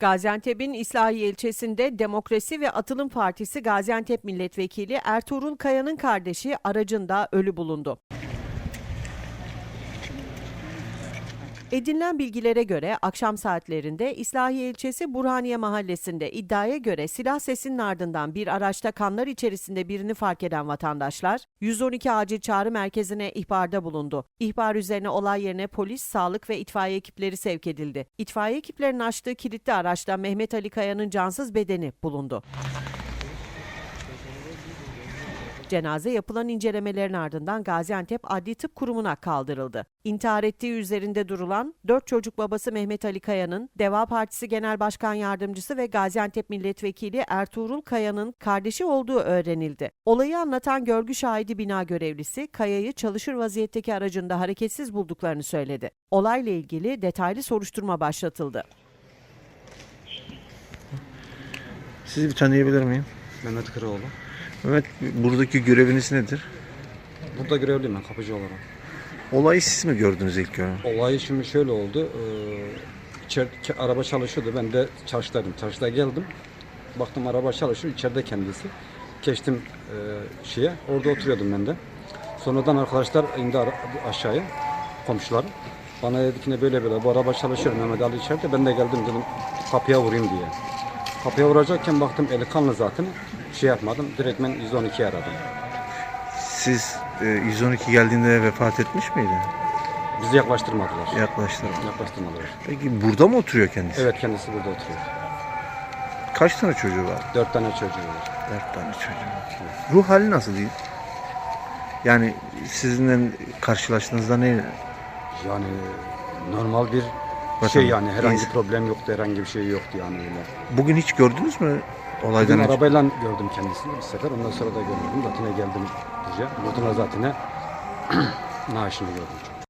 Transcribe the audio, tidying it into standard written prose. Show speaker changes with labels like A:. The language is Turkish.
A: Gaziantep'in İslahiye ilçesinde Demokrasi ve Atılım Partisi Gaziantep Milletvekili Ertuğrul Kaya'nın kardeşi aracında ölü bulundu. Edinilen bilgilere göre akşam saatlerinde İslahiye ilçesi Burhaniye mahallesinde iddiaya göre silah sesinin ardından bir araçta kanlar içerisinde birini fark eden vatandaşlar 112 acil çağrı merkezine ihbarda bulundu. İhbar üzerine olay yerine polis, sağlık ve itfaiye ekipleri sevk edildi. İtfaiye ekiplerinin açtığı kilitli araçta Mehmet Ali Kaya'nın cansız bedeni bulundu. Cenaze yapılan incelemelerin ardından Gaziantep Adli Tıp Kurumu'na kaldırıldı. İntihar ettiği üzerinde durulan 4 çocuk babası Mehmet Ali Kaya'nın, Deva Partisi Genel Başkan Yardımcısı ve Gaziantep Milletvekili Ertuğrul Kaya'nın kardeşi olduğu öğrenildi. Olayı anlatan görgü şahidi bina görevlisi, Kaya'yı çalışır vaziyetteki aracında hareketsiz bulduklarını söyledi. Olayla ilgili detaylı soruşturma başlatıldı.
B: Sizi bir tanıyabilir miyim?
C: Mehmet Kıraoğlu.
B: Mehmet, buradaki göreviniz nedir?
C: Burada görevliyim ben, kapıcı olarak.
B: Olayı siz mi gördünüz ilk önce?
C: Olay şimdi şöyle oldu. İçeride araba çalışıyordu. Ben de çarşıdaydım. Çarşıda geldim. Baktım araba çalışıyor. İçeride kendisi. Geçtim orada oturuyordum ben de. Sonradan arkadaşlar indi aşağıya. Komşular. Bana dedi ki ne böyle bu araba çalışıyor. Mehmet Ali içeride. Ben de geldim dedim kapıya vurayım diye. Kapıya vuracakken baktım eli kanlı zaten. Yapmadım. Direkt ben 112'yi aradım.
B: Siz 112 geldiğinde vefat etmiş miydi?
C: Bizi yaklaştırmadılar.
B: Yaklaştırmadılar. Peki burada mı oturuyor kendisi?
C: Evet, kendisi burada oturuyor.
B: Kaç tane çocuğu var?
C: 4 tane çocuğu var.
B: 4 tane çocuğu. Ruh hali nasıl değil? Yani sizinle karşılaştığınızda ne?
C: Yani normal bir şey yani herhangi problem yoktu, herhangi bir şey yoktu yani öyle.
B: Bugün hiç gördünüz mü olaydan
C: Bugün
B: önce?
C: arabayla gördüm kendisini bir sefer, ondan sonra da görmedim. Zaten geldim buraya. Buradan zaten naaşını gördüm.